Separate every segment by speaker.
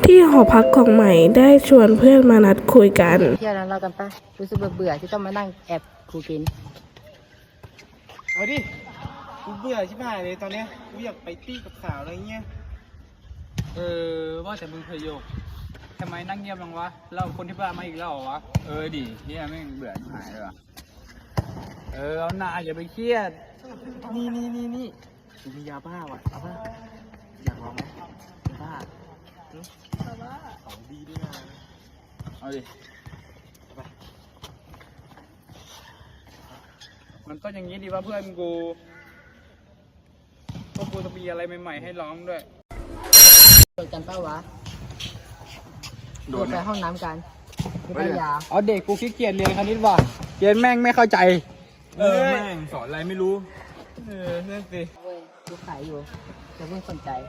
Speaker 1: ที่หอพักของใหม่ได้ชวนเพื่อนมานัดคุยกัน
Speaker 2: เที่ยวนั้นเรากันปะรู้สึกเบื่อที่ต้องมานั่งแอบครูกิน
Speaker 3: เอาดิกูเบื่อชิบหายเลยตอนเนี้ยกูอยากไปตี้กับสาวอะไรเงี้ย
Speaker 4: ว่าแต่มึงเคยโยกทำไมนั่งเงียบจังวะเราคนที่บ้านมาอีกแล้วเหรอวะดิเฮียแม่งเบื่อหายเลยว่ะเอาหน้าอย่าไปเครียด
Speaker 3: นี่กูมียาบ้าว่ะเอาบ้าอยากลองไหมยาบ้าของดีด้วยนะ
Speaker 4: เอาดิมันต้องอย่างนี้ดีว่าเพื่อนกูพวกกูจะมีอะไรใหม่ๆให้ร้องด้วย
Speaker 2: โดนกันเป้าวะโดนไปห้องน้ำกันไม่ได้ยา
Speaker 4: เอาเด็กกูขี้เกียจเรียนคณิตว่ะเรียนแม่งไม่เข้าใจแม่งสอนอะไรไม่รู้
Speaker 3: นั่นสิ
Speaker 2: เว้ยกูขายอยู่จะเพิ่งสนใจ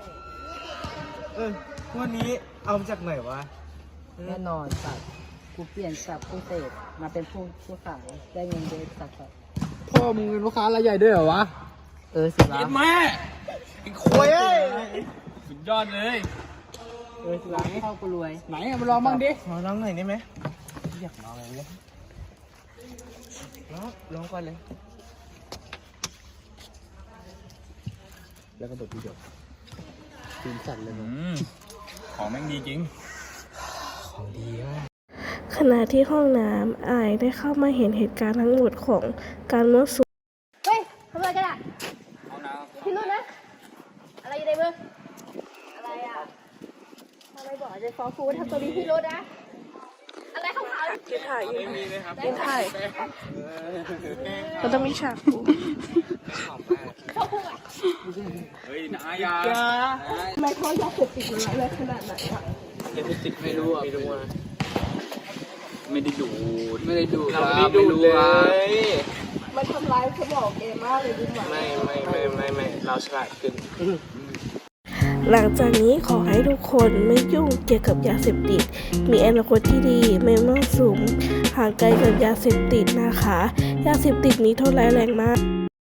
Speaker 3: วันนี้เอามาจากไหนวะ
Speaker 2: แน่นอนสัตว์กูเปลี่ยนจากผู้เสพมาเป็นผู้ขายได้เงินเดือนสัตว์
Speaker 4: พ่อมึงเป็นลูกค้ารายใหญ่ด้วยเหรอวะ
Speaker 2: สิวะ
Speaker 4: เย็นแม่ไอ้คุยสุดยอดเลย
Speaker 2: สิวะเข้ากูรวย
Speaker 4: ไหนมาลองบ้างดิ
Speaker 3: มาลองหน่อยได้ไหมอยากลองอะไรเลยลองก่อนเลยแล้วก็บดทีเดียวตื่นสั่นเลย
Speaker 4: ของแม่งดีจริง
Speaker 3: ของดีอ่ะ
Speaker 1: ขณะที่ห้องน้ำอายได้เข้ามาเห็นเหตุการณ์ทั้งหมดของการมั่วสุม
Speaker 5: เฮ้ยทำอะไรกันอ่ะพี่รุ่นนะอะไรอยู่ในมืออะไรอ่ะทำไมบอกจะฟ้องครูทำตัวนี้พี่รุ่นนะอะไรขาวๆ
Speaker 1: ที่ถ่ายอยู่
Speaker 4: มีเลยครับ
Speaker 1: ที่ถ่ายมันต้องมีฉากกู
Speaker 4: เฮ้ยนายา
Speaker 1: ไม่เขาอยากเสพติดมันอะไรขนาดไหนอ่ะ
Speaker 4: ยาเสพติดไม่รู้อ่ะไม่ได้ดู
Speaker 3: เราไม่ได้ดูเลย
Speaker 1: มันทำร้ายสมองเอมากเลยดูหมา
Speaker 3: ไม่เราฉลาดขึ้น
Speaker 1: หลังจากนี้ขอให้ทุกคนไม่ยุ่งเกี่ยวกับยาเสพติดมีอนาคตที่ดีไม่มั่วสุมห่างไกลกับยาเสพติดนะคะยาเสพติดนี้โทษร้ายแรงมาก